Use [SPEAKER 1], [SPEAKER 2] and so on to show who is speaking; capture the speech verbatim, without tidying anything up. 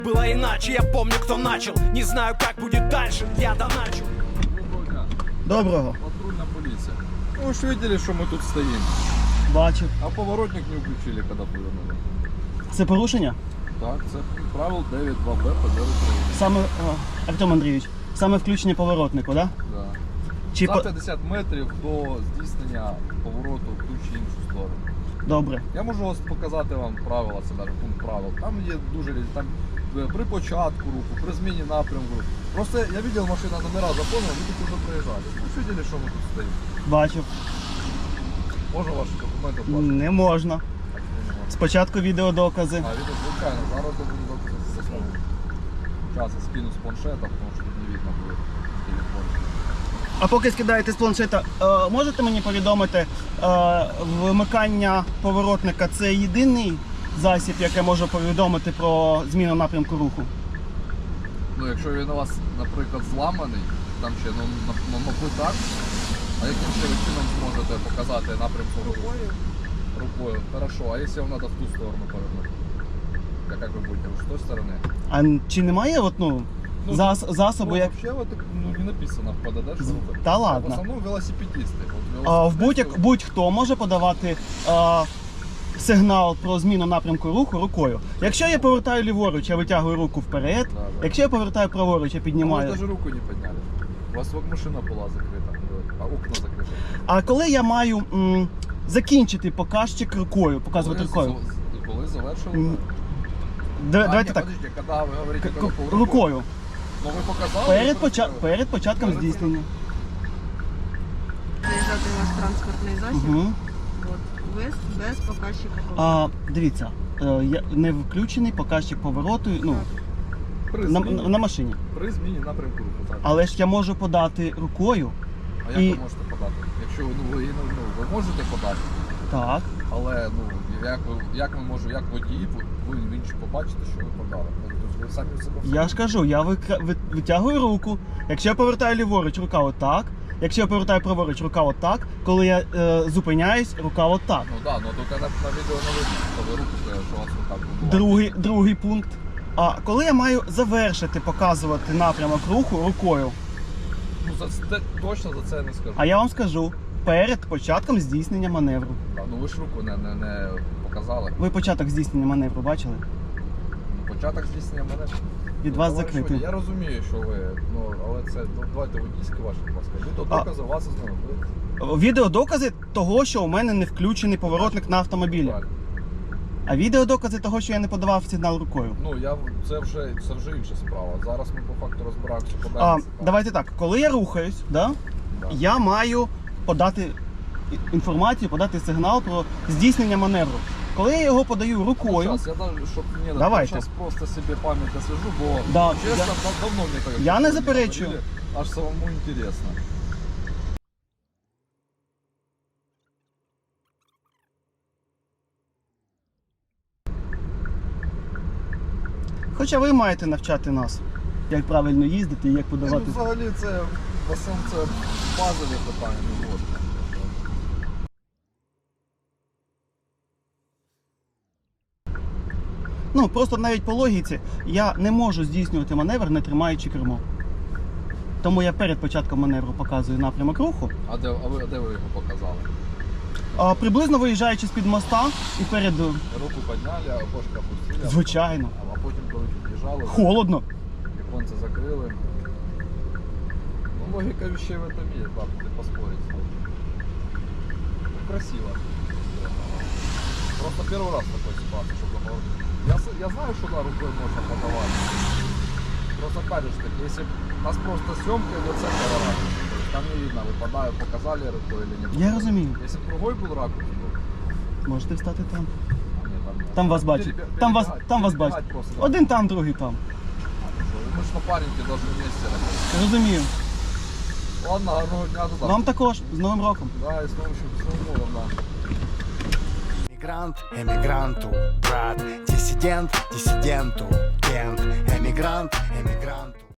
[SPEAKER 1] Было иначе, я помню, кто начал. Не знаю, как будет дальше, я доначу.
[SPEAKER 2] Доброго.
[SPEAKER 3] Патрульная полиция. Ну, вы же видели, что мы тут стоим.
[SPEAKER 2] Бачив.
[SPEAKER 3] А поворотник не включили, когда повернули.
[SPEAKER 2] Це порушення?
[SPEAKER 3] Так, це правил дев'ять два Б ПД України.
[SPEAKER 2] Саме, о, Артем Андрійович, саме включення поворотнику, так? Да?
[SPEAKER 3] Да.
[SPEAKER 2] Чи
[SPEAKER 3] За
[SPEAKER 2] по...
[SPEAKER 3] п'ятдесят метрів до здійснення повороту в ту чи іншу сторону.
[SPEAKER 2] Добре.
[SPEAKER 3] Я можу ось показати вам правила, це навіть пункт правил. Там є дуже різні. Там е, при початку руху, при зміні напрямку. Просто я бачив, машина номера заповнила, ви тут вже проїжджали. Ви ж бачили, що ми тут стоїмо?
[SPEAKER 2] Бачив.
[SPEAKER 3] Можна ваші документи оплачувати?
[SPEAKER 2] Не можна.
[SPEAKER 3] Так, ні, не можна.
[SPEAKER 2] Спочатку відеодокази.
[SPEAKER 3] А, відео, звичайно, зараз я буду доказати за слово. Зараз я скину з планшета, тому що тут не видно буде в телефоні.
[SPEAKER 2] А поки скидаєте з планшета, е, можете мені повідомити, е, вмикання поворотника – це єдиний засіб, який може повідомити про зміну напрямку руху?
[SPEAKER 3] Ну, якщо він у вас, наприклад, зламаний, там ще, ну, на- ну, мабуть, так. А яким ще ви чином зможете показати напрямку руху? Рукою. Хорошо, а якщо вам треба в ту сторону повернути? Так як ви будете? Ви з тої сторони?
[SPEAKER 2] А чи немає от, ну,
[SPEAKER 3] Ну,
[SPEAKER 2] зас, засобу,
[SPEAKER 3] Ну,
[SPEAKER 2] як...
[SPEAKER 3] вообще вот, ну, не написано в ПДД, що
[SPEAKER 2] З-
[SPEAKER 3] робити.
[SPEAKER 2] Та
[SPEAKER 3] В
[SPEAKER 2] ладно.
[SPEAKER 3] основному велосипедисти. От
[SPEAKER 2] А, в
[SPEAKER 3] велосипедисти-
[SPEAKER 2] будь-як, будь-хто може подавати а, сигнал про зміну напрямку руху рукою. Якщо я повертаю ліворуч, я витягую руку вперед.
[SPEAKER 3] Да, да.
[SPEAKER 2] Якщо я повертаю праворуч, я
[SPEAKER 3] А
[SPEAKER 2] піднімаю.
[SPEAKER 3] ви навіть руку не підняли. У вас вот машина була закрита, а окна закриті.
[SPEAKER 2] А коли я маю м, закінчити показчик рукою, показувати
[SPEAKER 3] Коли
[SPEAKER 2] рукою?
[SPEAKER 3] з- Коли завершили?
[SPEAKER 2] М,
[SPEAKER 3] А,
[SPEAKER 2] Д-
[SPEAKER 3] ні,
[SPEAKER 2] Давайте так.
[SPEAKER 3] подождіть, коли ви говорите,
[SPEAKER 2] К-
[SPEAKER 3] коли
[SPEAKER 2] к-
[SPEAKER 3] рукою?
[SPEAKER 2] Рукою.
[SPEAKER 3] Ну ви показали?
[SPEAKER 2] Перед,
[SPEAKER 3] ви
[SPEAKER 2] поча...
[SPEAKER 3] перед-
[SPEAKER 2] перед початком
[SPEAKER 3] Перед-
[SPEAKER 2] здійснення.
[SPEAKER 4] Заїжджати ваш транспортний засіб,
[SPEAKER 2] Угу.
[SPEAKER 4] от, без, без показчика повороту.
[SPEAKER 2] А, дивіться, е, я- не включений показчик повороту ну,
[SPEAKER 3] При
[SPEAKER 2] на,
[SPEAKER 3] зміні,
[SPEAKER 2] на машині.
[SPEAKER 3] при зміні напрямку руху. Так.
[SPEAKER 2] Але ж я можу подати рукою.
[SPEAKER 3] А як
[SPEAKER 2] і-
[SPEAKER 3] ви можете подати? Якщо ну, ви, ну, ну, ви можете подати,
[SPEAKER 2] Так.
[SPEAKER 3] але ну, як, ви, як ми можемо, як водії, ви ви інші побачите, що ви подали. Ну, тобто ви самі в себе
[SPEAKER 2] Я ж кажу, я викра- ви- витягую руку. Якщо я повертаю ліворуч, рука отак. Якщо я повертаю праворуч, рука отак. Коли я е, зупиняюсь, рука отак.
[SPEAKER 3] Ну так, да, ну тільки на, на відео не видно, що ви руку, що у вас рука була.
[SPEAKER 2] Другий, другий пункт. А коли я маю завершити показувати напрямок руху рукою,
[SPEAKER 3] Ну за це точно за це я не скажу.
[SPEAKER 2] а я вам скажу, перед початком здійснення маневру.
[SPEAKER 3] А, ну ви ж руку не, не, не показали.
[SPEAKER 2] Ви початок здійснення маневру бачили?
[SPEAKER 3] Ну, початок здійснення мене.
[SPEAKER 2] Від
[SPEAKER 3] Ну,
[SPEAKER 2] вас
[SPEAKER 3] товариш
[SPEAKER 2] закритий.
[SPEAKER 3] водій, я розумію, що ви, ну, але це, ну, давайте водійські ваші, будь ласка. Ви то
[SPEAKER 2] А-
[SPEAKER 3] докази, вас знову.
[SPEAKER 2] Відеодокази того, що у мене не включений поворотник на автомобілі. А відеодокази того, що я не подавав сигнал рукою.
[SPEAKER 3] Ну, я, це, вже, це вже інша справа. Зараз ми по факту розбираємося по
[SPEAKER 2] А,
[SPEAKER 3] даній ситуації.
[SPEAKER 2] давайте так, коли я рухаюсь, да,
[SPEAKER 3] Да.
[SPEAKER 2] я маю подати і- інформацію, подати сигнал про здійснення маневру. Коли я його подаю рукою,
[SPEAKER 3] Сейчас, я даже, щоб не
[SPEAKER 2] Давайте.
[SPEAKER 3] зараз просто собі пам'ять освіжу, бо
[SPEAKER 2] Да,
[SPEAKER 3] чесно,
[SPEAKER 2] я-
[SPEAKER 3] дав- давно мені так.
[SPEAKER 2] Я не
[SPEAKER 3] таке
[SPEAKER 2] заперечую.
[SPEAKER 3] говорили, аж самому інтересно.
[SPEAKER 2] хоча ви маєте навчати нас, як правильно їздити і як
[SPEAKER 3] Ну,
[SPEAKER 2] подавати.
[SPEAKER 3] взагалі це, в основному це базові питання, не можна.
[SPEAKER 2] Ну, просто навіть по логіці я не можу здійснювати маневр, не тримаючи кермо. Тому я перед початком маневру показую напрямок руху.
[SPEAKER 3] А де, а ви, а де ви його показали?
[SPEAKER 2] А, приблизно виїжджаючи з-під моста і перед...
[SPEAKER 3] Руку підняли, а окошко опустили.
[SPEAKER 2] Звичайно.
[SPEAKER 3] А потім, коли під'їжджали,
[SPEAKER 2] Холодно.
[SPEAKER 3] віконце закрили. Ну, логіка вещей в этом є, так, не поспорить. Ну, красиво. Просто первый раз в такой ситуации, чтобы говорить. Я, с- я знаю, что да, рукой можно подавать. Просто опять же таки, если у нас просто съемка идет с этого ракурса, то есть там не видно, выпадаю, показали рукой или нет.
[SPEAKER 2] Я розумію.
[SPEAKER 3] Если бы другой был ракурс, был,
[SPEAKER 2] Можете встати там.
[SPEAKER 3] а нет, там, нет.
[SPEAKER 2] Там вас бачать.
[SPEAKER 3] Перебе-
[SPEAKER 2] Там вас,
[SPEAKER 3] перебегать-
[SPEAKER 2] там вас
[SPEAKER 3] перебегать
[SPEAKER 2] бачать.
[SPEAKER 3] просто, да.
[SPEAKER 2] Один там, другий там.
[SPEAKER 3] Мы же напарники должны вместе работать.
[SPEAKER 2] Розумію.
[SPEAKER 3] Ладно, гарного дня до завтра.
[SPEAKER 2] Вам також. З Новим роком.
[SPEAKER 3] Да, и с помощью всего да.
[SPEAKER 5] Эмигрант эмигранту, брат, диссидент диссиденту, кент, эмигрант эмигранту.